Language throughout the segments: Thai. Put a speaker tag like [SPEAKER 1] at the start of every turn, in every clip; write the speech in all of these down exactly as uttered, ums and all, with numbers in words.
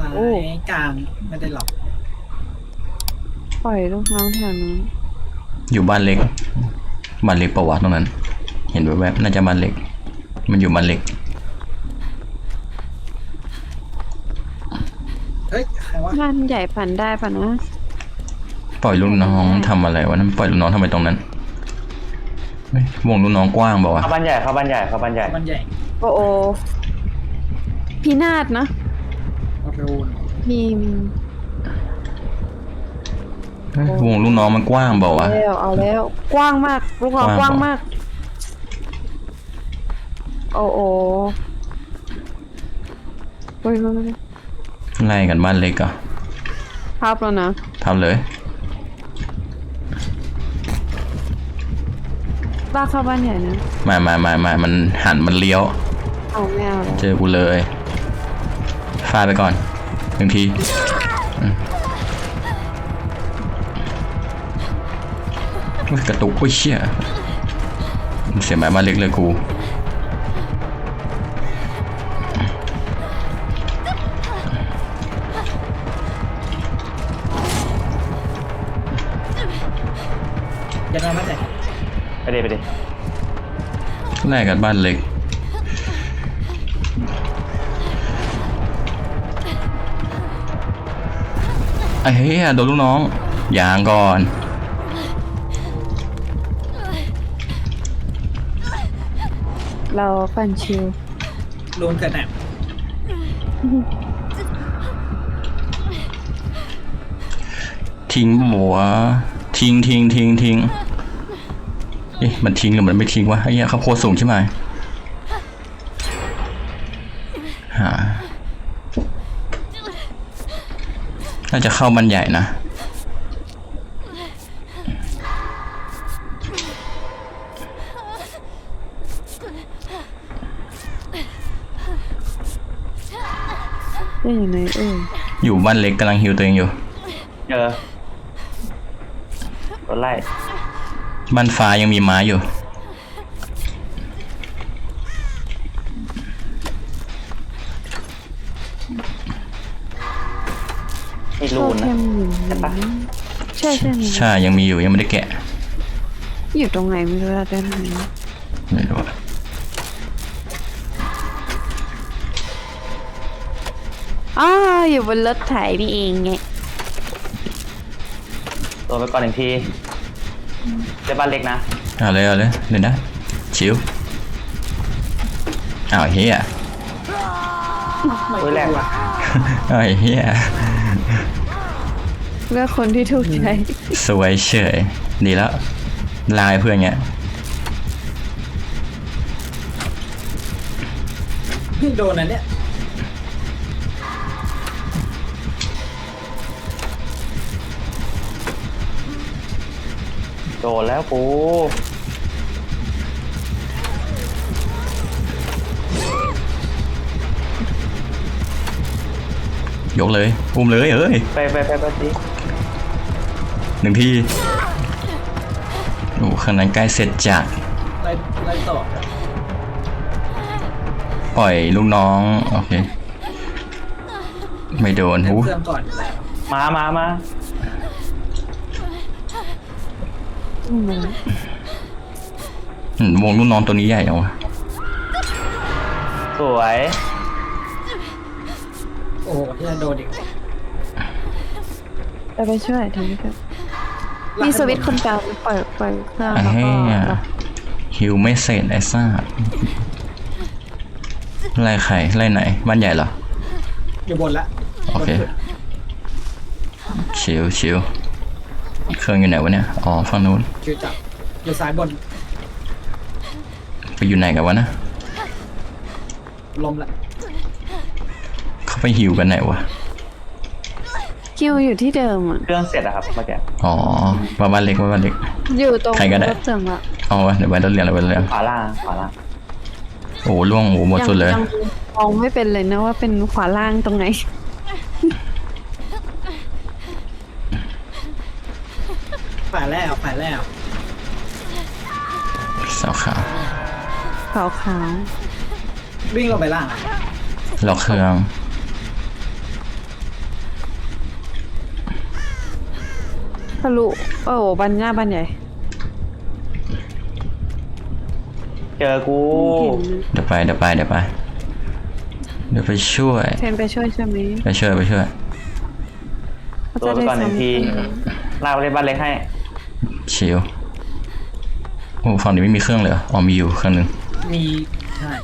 [SPEAKER 1] ซ้ายกลางไม่ได้หรอก
[SPEAKER 2] ปล่อยลูกน้องแถวนู้น
[SPEAKER 3] อยู่บ้านเล็กบ้านเล็กประวัติตรงนั้นเห็นแวบๆน่าจะบ้านเล็กมันอยู่บ้านเล็ก
[SPEAKER 1] เฮ้ยใครวะ
[SPEAKER 2] บ้านใหญ่ปั่นได้ป่ะนะ
[SPEAKER 3] ปล่อยลูกน้องทำอะไรวะนั่นปล่อยลูกน้องทำไมตรงนั้นวงลูกน้องกว้างเปล่าวะ
[SPEAKER 4] เข้าบ้านใหญ่เข้าบ้านใหญ่เข้าบ้านใหญ่
[SPEAKER 1] บ้านใหญ่
[SPEAKER 2] โอโอพินาศนะ
[SPEAKER 1] รูน
[SPEAKER 2] มี
[SPEAKER 3] วงลูกน้องมันกว้างเปล่าวะ
[SPEAKER 2] แล้วเอาแล้วกว้างมากลูกน้องกว้างมากโอ้โอ้เฮ้ย
[SPEAKER 3] ไล่กันบ้านเล็กอ่ะ
[SPEAKER 2] ภาพแล้วนะ
[SPEAKER 3] ทำเลย
[SPEAKER 2] บ้าเข้าบ้านใหญ่นะ
[SPEAKER 3] มามามามามันหันมันเลี้ยว
[SPEAKER 2] เอาไม่เอา
[SPEAKER 3] เจอกูเลยฟาดไปก่อนหนึ่งทีกระตุกโอ้ยเชี่ยเสียหมายมาเล็กเลยกู
[SPEAKER 1] ยังไงมาแต่
[SPEAKER 4] ไปเดี๋ยวไปเดี๋ยว
[SPEAKER 3] แลกกันบ้านเล็กไอ้เหี้ยโดนลูกน้องยางก่อน
[SPEAKER 2] เราปั่นชิว
[SPEAKER 1] รูนเกิดแหน
[SPEAKER 3] ทิ้งหัวทิ้งทิ้งทิ้งทิ้งเอ๊ะมันทิ้งหรือมันไม่ทิ้งวะไอ้เหี้ยเขาโคตรสูงใช่ไหมฮะน่าจะเข้ามันใหญ่นะ
[SPEAKER 2] ได้อยู่ไหนเออ
[SPEAKER 3] อยู่บ้านเล็กกำลังฮิวตัวเองอยู่
[SPEAKER 4] เจอรถไล่
[SPEAKER 3] บ้านฟ้ายังมีไม้อยู่
[SPEAKER 4] มีรูนนะใช่ปะ
[SPEAKER 2] ใช่ใช่
[SPEAKER 3] ใช่ยังมีอยู่ยังไม่ได้แกะ
[SPEAKER 2] อยู่ตรงไหนไม่รู้อะเดินหา
[SPEAKER 3] ไม่รู้
[SPEAKER 2] อ๋ออยู่บนรถไถนี่เองไง
[SPEAKER 4] ตัวไปก่อนหนึ่งทีเจ้าบ้านเล็กนะ
[SPEAKER 3] เอาเลยเอาเลยเล่นได้ชิวอ้าวเฮีย
[SPEAKER 4] โอ้ยแรงว่ะ
[SPEAKER 3] อ้าวเฮีย
[SPEAKER 2] เลือกคนที่ถูกใจ
[SPEAKER 3] สวยเฉยดีแล้วลายเพื่อนเงี้ย
[SPEAKER 1] โดนอันเนี้ย
[SPEAKER 4] โดนแล้วกู
[SPEAKER 3] ยกเลยอุ้มเลยเอ้ย
[SPEAKER 4] ไปไปไปไปดิ
[SPEAKER 3] หนึ่งทีโอ้ข้างนั้นใกล้เสร็จจาก
[SPEAKER 1] ไล่ไล่ต่อ
[SPEAKER 3] ปล่อยลูกน้องโอเคไม่โดนหู
[SPEAKER 1] เครื่องก่อน
[SPEAKER 4] มามามา
[SPEAKER 3] วงลูกน้องตัวนี้ใหญ่เอา
[SPEAKER 4] สวย
[SPEAKER 1] โอ้ที่จะโดนอีก
[SPEAKER 2] จะไปช่วยทำให้ครับมีสวิตช์คนกลางปล่อยปล่อยเครื่องแล้วก็
[SPEAKER 3] ฮิวไม่เสร็จไอ้ซ่าไล่ใครไล่ไหนบ้านใหญ่เหรอ
[SPEAKER 1] อยู่บนละ
[SPEAKER 3] โอเคชิวชิวเครื่องอยู่ไหนวะเนี่ยอ๋อฝั่งนู้น
[SPEAKER 1] ชิวจับอยู่ซ้ายบน
[SPEAKER 3] ไปอยู่ไหนกันวะนะ
[SPEAKER 1] ลมละ
[SPEAKER 3] เขาไปฮิวกันไหนวะ
[SPEAKER 2] คิวอยู่ที่เดิมอ่ะ
[SPEAKER 4] เครื่องเสร็จอะครับเมื่อกี้
[SPEAKER 3] อ๋อบ้านเล็กบ้านเล็ก
[SPEAKER 2] อยู่ตรง
[SPEAKER 3] ใครก็ได้
[SPEAKER 2] รถเสื่อมละ
[SPEAKER 3] เอาวะเดี๋ยวไปรถเรียนเราไปเรียน
[SPEAKER 4] ขวาล่างขวาล่าง
[SPEAKER 3] โอ้ล่วงโอ้หมดสุดเลย
[SPEAKER 2] มองไม่เป็นเลยนะว่าเป็นขวาล่างตรงไหน
[SPEAKER 1] ฝ่ายแล้วฝ่ายแล้ว
[SPEAKER 3] สาวขาว
[SPEAKER 2] ขาวขาว
[SPEAKER 1] วิ่งลงไปล่าง
[SPEAKER 3] ล็อกเครื่อง
[SPEAKER 2] ทะลุโอ้โหบันหน้าบันใหญ่
[SPEAKER 4] เจอกู
[SPEAKER 3] เดี๋ยวไปเดี๋ยวไปเดี๋ยวไปเดี๋ยวไปช่วย
[SPEAKER 2] เทนไปช่วยใช่ไหม
[SPEAKER 3] ไปช่วยไปช่วย
[SPEAKER 2] เขา
[SPEAKER 4] ตัว
[SPEAKER 2] จะ
[SPEAKER 4] ไป
[SPEAKER 2] ได้
[SPEAKER 4] ก่อนหนึ่งที
[SPEAKER 2] ซ้ำ
[SPEAKER 4] ลากไปเล่นบ้านเล็กให้
[SPEAKER 3] ชิวโอ้ฝั่งนี้ไม่มีเครื่องเลยเหรออ๋อมีอยู่เครื่องหนึง
[SPEAKER 1] มีใช่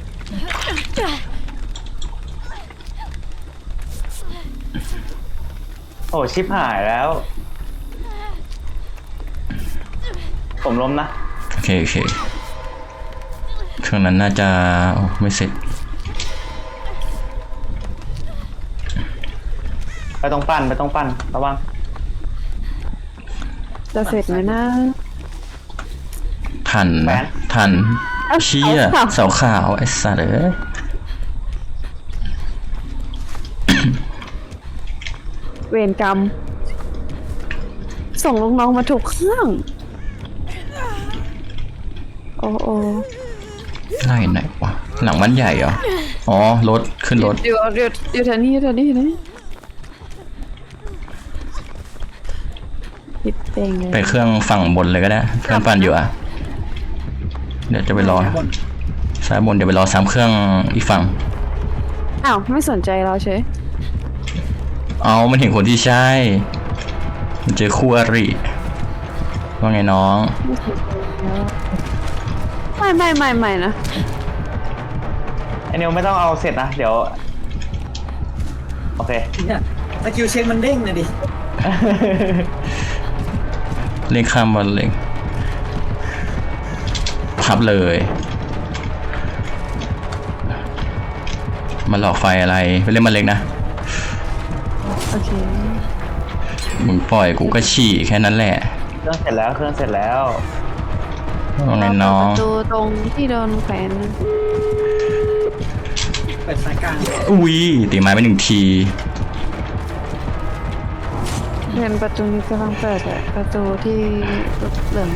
[SPEAKER 4] โอ้ชิบหายแล้ว ผมล้มนะ
[SPEAKER 3] โอเคโอเคเครื่องนั้นน่าจะโอ้ไม่เสร็จ
[SPEAKER 4] ไปต้องปั้นไปต้องปั้นระวัง
[SPEAKER 2] จะเสร็จไหมนะ
[SPEAKER 3] ทัน
[SPEAKER 4] แหว
[SPEAKER 3] นะ
[SPEAKER 4] น
[SPEAKER 3] ทัน
[SPEAKER 2] เอ้า
[SPEAKER 3] เชี่ย
[SPEAKER 2] เสาขาว
[SPEAKER 3] เสาขาวไอ้สัตว์เอ้ย
[SPEAKER 2] เวรกรรม ส่งลูกน้องมาถูกเครื่อง โอ้โอ้
[SPEAKER 3] ไล่ไหนวะหลังบ้านใหญ่เหรออ๋อรถขึ้นรถ
[SPEAKER 2] เดี๋ยวเดี๋ยวเดี๋ยวแถวนี้แถวนี้นะปิดเองเลย
[SPEAKER 3] ไปเครื่องฝั่งบนเลยก็ได้เครื่องปั่นอยู่อ่ะเดี๋ยวจะไปรอ
[SPEAKER 1] บน
[SPEAKER 3] ซ้ายบนเดี๋ยวไปรอซ้ำเครื่องอีกฝั่ง
[SPEAKER 2] อ้าวไม่สนใจเราเฉย
[SPEAKER 3] เอามันเห็นคนที่ใช่มันเจอคู่อริว่าไงน้อง
[SPEAKER 2] ไม่ไม่ไม่ไม่นะ
[SPEAKER 4] ไอนิวไม่ต้องเอาเสร็จนะ เดี๋ยว โอเค
[SPEAKER 1] เนี่ยสกิลเช็คมันเด้งเลยดิ
[SPEAKER 3] เล่นข้ามบอลเล็งพับเลย มาหลอกไฟอะไรไปเล่นมาเล็กนะ
[SPEAKER 2] โอเค
[SPEAKER 3] มึงปล่อยกูก็ฉี่แค่นั้นแหละ
[SPEAKER 4] เครื่องเสร็จแล้วเครื่องเสร็จแล้ว
[SPEAKER 3] ว่าไงน้อง
[SPEAKER 2] ประตูตรงที่โดนแขวน
[SPEAKER 1] เปิดสายกลาง
[SPEAKER 3] อุ้ยตีไม้ไปหนึ่งที
[SPEAKER 2] เห็นประตูนี้กำลังเปิดอะประตูที่เหลือง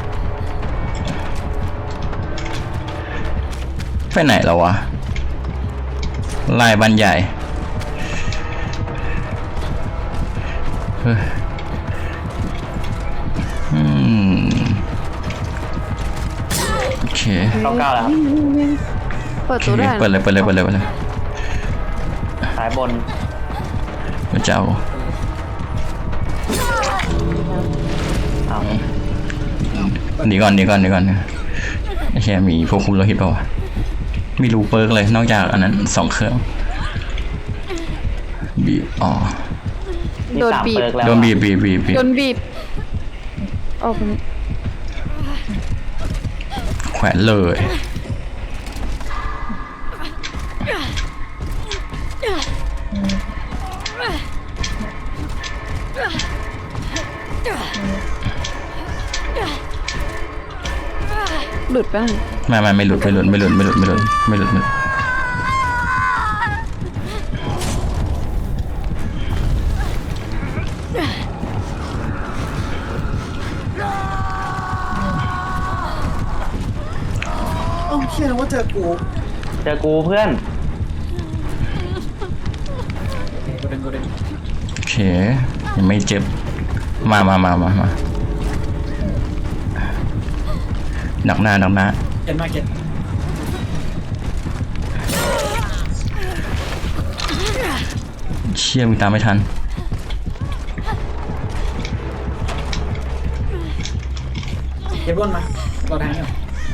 [SPEAKER 3] ไปไหนแล้ววะไล่บ้านใหญ่เฮ้ยอืมโอเค
[SPEAKER 4] เก้าเก้าแล้วครับ
[SPEAKER 2] เปิด
[SPEAKER 3] โอ
[SPEAKER 2] ตัว
[SPEAKER 3] เค
[SPEAKER 2] ได้
[SPEAKER 3] เปิดเลยเปิดเลยเปิดเลยเปิดเลย
[SPEAKER 4] สายบน
[SPEAKER 3] พระเจ้า
[SPEAKER 4] อ้าว
[SPEAKER 3] หนีก่อนหนีก่อนหนีก่อนไอ้แค่มีพวกคุมโลหิตเปล่าวะไม่รู้เปิร์กเลยนอกจากอันนั้นสองเครื่องบีบอ๋อ
[SPEAKER 4] นี่
[SPEAKER 2] โดน
[SPEAKER 4] สาม
[SPEAKER 2] บีบ
[SPEAKER 4] เปิร์กแล้ว
[SPEAKER 3] โดนบีบบีบบีบบีบ
[SPEAKER 2] โดนบีบโอ้เป็น
[SPEAKER 3] แขวนเลย
[SPEAKER 2] หลุดไปะ
[SPEAKER 3] ไม่ไม่ไม่หลุดไม่หลุดไม่หลุดไม่หลุดไม่หลุดไม่หลุดไม่หลุด
[SPEAKER 1] โอ้เชื่อนะว่าเจอกู
[SPEAKER 4] เจอกูเพื่อน
[SPEAKER 1] โอเคกูเดินกูเดิน
[SPEAKER 3] โอเคยังไม่เจ็บมามามามามาหนักหน้าหนักหน้า
[SPEAKER 1] เก็ตมาเก็ต
[SPEAKER 3] เชี่ยมึงตามไม่ทัน
[SPEAKER 1] เก็ตบนมาเราแทงอยู่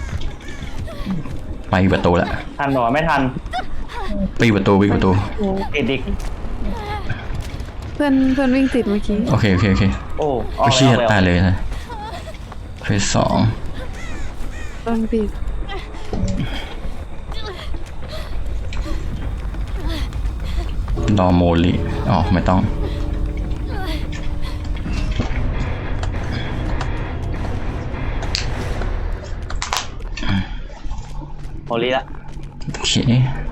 [SPEAKER 3] ไปประตูละ
[SPEAKER 4] ทันหรอไม่ทัน
[SPEAKER 3] ไปประตูไปประตู
[SPEAKER 4] ติดอีก
[SPEAKER 2] เพื่อนเพื่อนวิ่งติดเมื่อกี้
[SPEAKER 3] โอเคโอเคโอเค
[SPEAKER 4] โอ้อ
[SPEAKER 3] โอ้
[SPEAKER 4] อก
[SPEAKER 3] เชี่ย
[SPEAKER 4] แล้ว
[SPEAKER 3] ตายเลยนะเฟสสอง
[SPEAKER 2] โดนบีบ
[SPEAKER 3] ดอโมลิอ๋อไม่ต้อง
[SPEAKER 4] โมลีละ
[SPEAKER 3] โอเค